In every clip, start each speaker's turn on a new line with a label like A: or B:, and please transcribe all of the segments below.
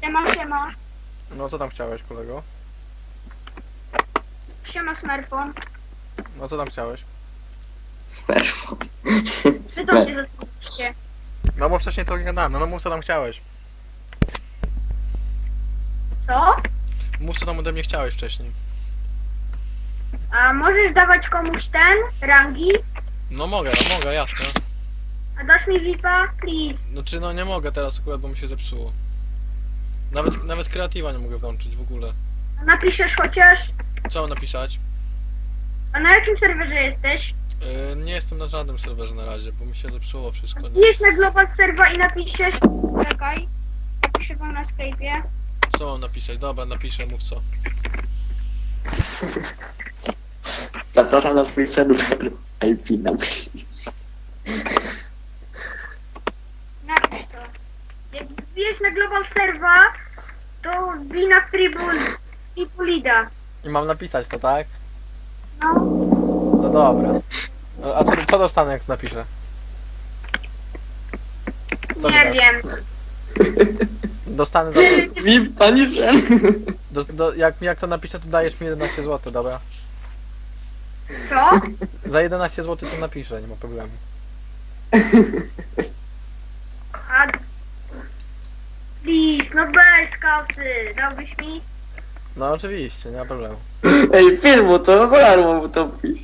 A: Siema, siema.
B: No co tam chciałeś, kolego?
A: Siema, smartfon.
B: No co tam chciałeś?
C: Smerfon.
A: Wy do mnie zadzwoniliście.
B: No bo wcześniej to nie gadałem, no mów co tam chciałeś.
A: Co?
B: Mów co tam ode mnie chciałeś wcześniej.
A: A możesz dawać komuś ten, rangi?
B: No mogę, jasne.
A: A dasz mi VIPa? Please.
B: No czy no nie mogę teraz akurat, bo mi się zepsuło. Nawet kreatywa nie mogę włączyć w ogóle.
A: A napiszesz chociaż?
B: Co mam napisać?
A: A na jakim serwerze jesteś?
B: Nie jestem na żadnym serwerze na razie, bo mi się zepsuło wszystko. Nie?
A: Wbijesz na Global Server i napiszesz... Czekaj. Napiszę wam na Skype'ie.
B: Co mam napisać? Dobra, napiszę, mów co.
C: Zapraszam na swój serwer IP napisz.
A: Napisz to. Jak wbijesz na Global Server, to wbij na Tribulida.
B: I mam napisać to, tak?
A: No.
B: No dobra. A co dostanę jak to napiszę? Co mi
A: Nie
B: dasz?
A: wiem.
B: Dostanę za...
C: VIP, pani Shen.
B: Jak to napiszę, to dajesz mi 11 zł, dobra?
A: Co?
B: Za 11 zł to napiszę, nie ma problemu.
A: A... Please, no bez kasy. Dałbyś mi?
B: No oczywiście, nie ma problemu.
C: Ej, filmu to, za darmo mu to pisz.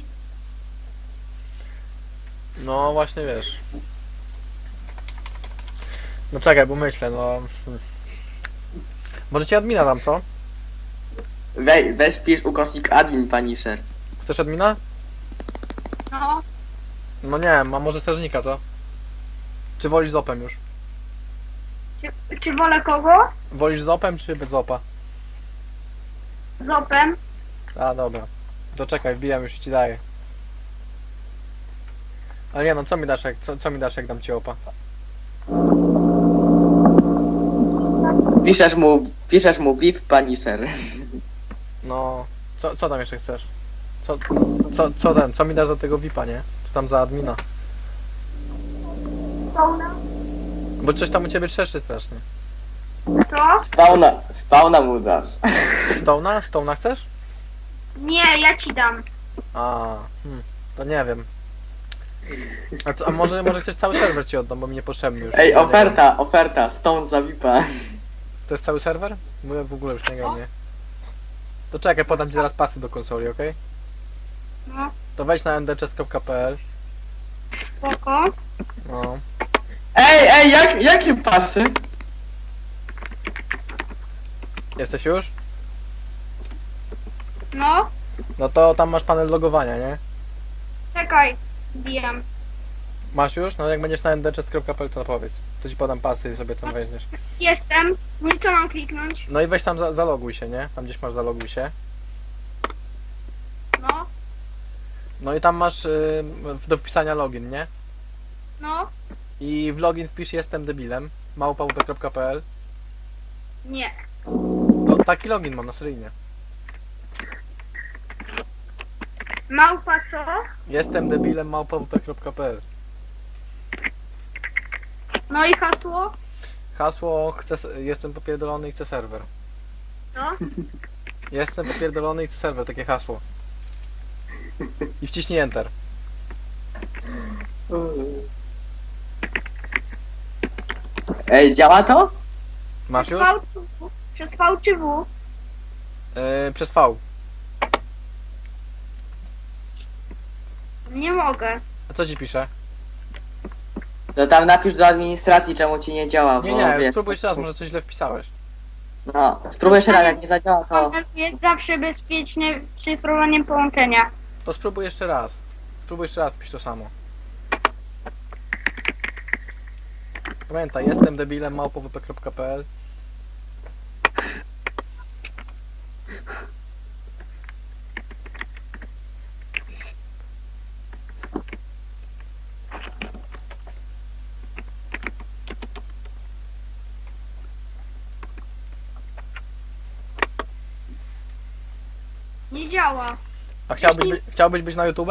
B: No właśnie wiesz. No czekaj, bo myślę, no... Może ci admina dam, co?
C: Weź pisz ukośnik admin, pani Sher.
B: Chcesz admina?
A: No.
B: No nie wiem, a może strażnika, co? Czy wolisz z opem już?
A: Czy wolę kogo?
B: Wolisz z opem, czy bez opa?
A: Z opem.
B: A, dobra. To czekaj, wbijam, już ci daję. Ale nie no, co mi dasz co mi dasz jak dam ci opa?
C: Piszesz mu VIP, pani Sher.
B: No, co tam jeszcze chcesz? Co mi dasz za tego VIPa, nie? Co tam za admina?
A: Spawna.
B: Bo coś tam u ciebie trzeszczy strasznie.
A: Co?
C: Spawna mu dasz.
B: Stone'a? Stone'a chcesz?
A: Nie, ja ci dam.
B: To nie wiem. A może chcesz cały serwer ci oddam, bo mi niepotrzebny już.
C: Ej,
B: Nie gram.
C: oferta, Stone za VIPa.
B: Chcesz cały serwer? Bo ja w ogóle już nie gram, nie? To czekaj, podam ci zaraz pasy do konsoli, okej?
A: No,
B: To wejdź na ndchess.pl.
A: spoko.
B: No.
C: Ej, jakie pasy?
B: Jesteś już?
A: No,
B: No to tam masz panel logowania, nie?
A: czekaj. Bijam.
B: Masz już? No jak będziesz na ndchess.pl to powiedz. To ci podam pasy i sobie tam weźmiesz.
A: Jestem. No i co mam kliknąć?
B: No i weź tam zaloguj się, nie? Tam gdzieś masz zaloguj się.
A: No,
B: No i tam masz do wpisania login, nie?
A: no.
B: I w login wpisz jestem debilem @wp.pl.
A: Nie.
B: No taki login mam na seryjnie.
A: Małpa co?
B: Jestem debilem @wp.pl.
A: No i hasło?
B: Hasło jestem popierdolony i chcę serwer.
A: Co?
B: Jestem popierdolony i chcę serwer, takie hasło. I wciśnij enter.
C: Ej, działa to?
B: Masz już?
A: V czy W? Przez V czy W?
B: Przez V.
A: Nie mogę.
B: A co ci pisze?
C: To tam napisz do administracji, czemu ci nie działa, bo
B: Nie,
C: wiesz...
B: spróbuj jeszcze raz, może coś źle wpisałeś.
C: No, spróbuj jeszcze raz, jak nie zadziała, to...
A: Jest zawsze bezpieczne szyfrowaniem połączenia.
B: To spróbuj jeszcze raz. Spróbuj jeszcze raz, pisz to samo. Pamiętaj, jestem debilem @wp.pl.
A: Nie działa.
B: A chciałbyś być na YouTube?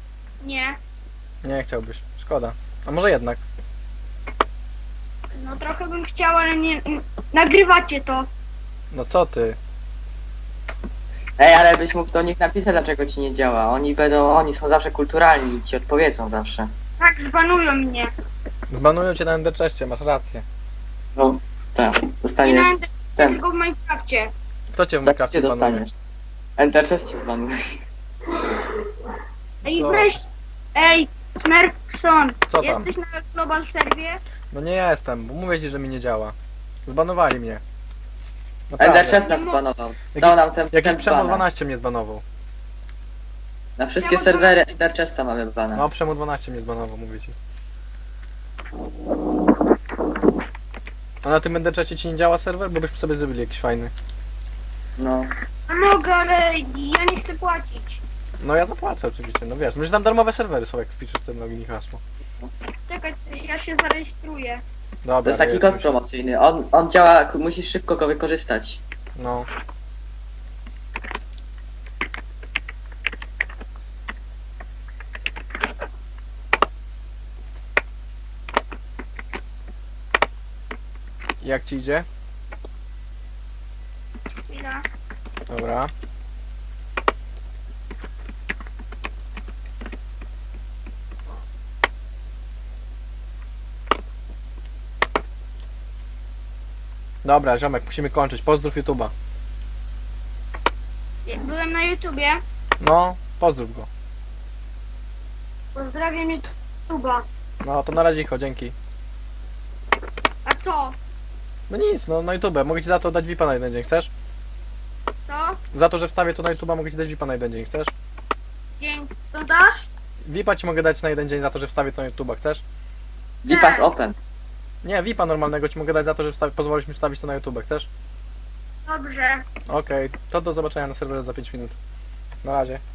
A: Nie.
B: Nie chciałbyś. Szkoda. A może jednak?
A: No trochę Trochę bym chciała, ale nie... Nagrywacie to.
B: No co ty?
C: Ej, ale byś mógł do nich napisać, dlaczego ci nie działa. Oni są zawsze kulturalni i ci odpowiedzą zawsze.
A: Tak, zbanują mnie.
B: Zbanują cię na Ender Chestie, masz rację.
C: No, tak,
A: Nie
C: dostaniesz
A: na
C: ten.
A: tylko w Minecrafcie.
B: Kto cię w
C: Za co
B: Minecrafcie
C: cię
B: zbanuje?
C: dostaniesz? Enter Chest cię zbanuje.
A: Ej,
B: Co?
A: weź... Ej, Smurfson.
B: Co tam?
A: Jesteś na Global Serwie?
B: No nie jestem, bo mówię ci, że mi nie działa. Zbanowali mnie.
C: Ender
B: Naprawdę.
C: Chest nas zbanował. Dał nam ten
B: Jakiś Przemo
C: bana.
B: 12 mnie zbanował.
C: Na wszystkie serwery Ender Chesta mamy bana.
B: No Przemo 12 mnie zbanował, mówię ci. A na tym Ender Chestie ci nie działa serwer? Bo byśmy sobie zrobili jakiś fajny.
C: No.
A: No mogę, ale ja nie chcę płacić.
B: No ja zapłacę oczywiście, no wiesz, że tam darmowe serwery są, jak wpiszesz ten login i hasło.
A: Czekaj, ja się zarejestruję.
B: Dobra,
C: To jest taki
B: rejestruj
C: kod
B: się.
C: promocyjny. On działa, musisz szybko go wykorzystać.
B: No. Jak ci idzie?
A: Chwila.
B: Dobra. Dobra, ziomek, musimy kończyć. Pozdrów YouTube'a.
A: Byłem na YouTubie.
B: No, pozdrów go.
A: Pozdrawiam YouTube'a.
B: No, to na razie, dzięki.
A: A co?
B: No nic, no na YouTube. Mogę ci za to dać VIPa na jeden dzień, chcesz?
A: Co?
B: Za to, że wstawię to na YouTube'a, mogę ci dać VIPa na jeden dzień, chcesz?
A: Dzięki. To dasz?
B: VIPa ci mogę dać na jeden dzień za to, że wstawię to na YouTube'a, chcesz?
C: Vipas Open.
B: Nie, VIPa normalnego ci mogę dać za to, że pozwolisz mi wstawić to na YouTube, chcesz?
A: Dobrze.
B: Okej, to do zobaczenia na serwerze za 5 minut. Na razie.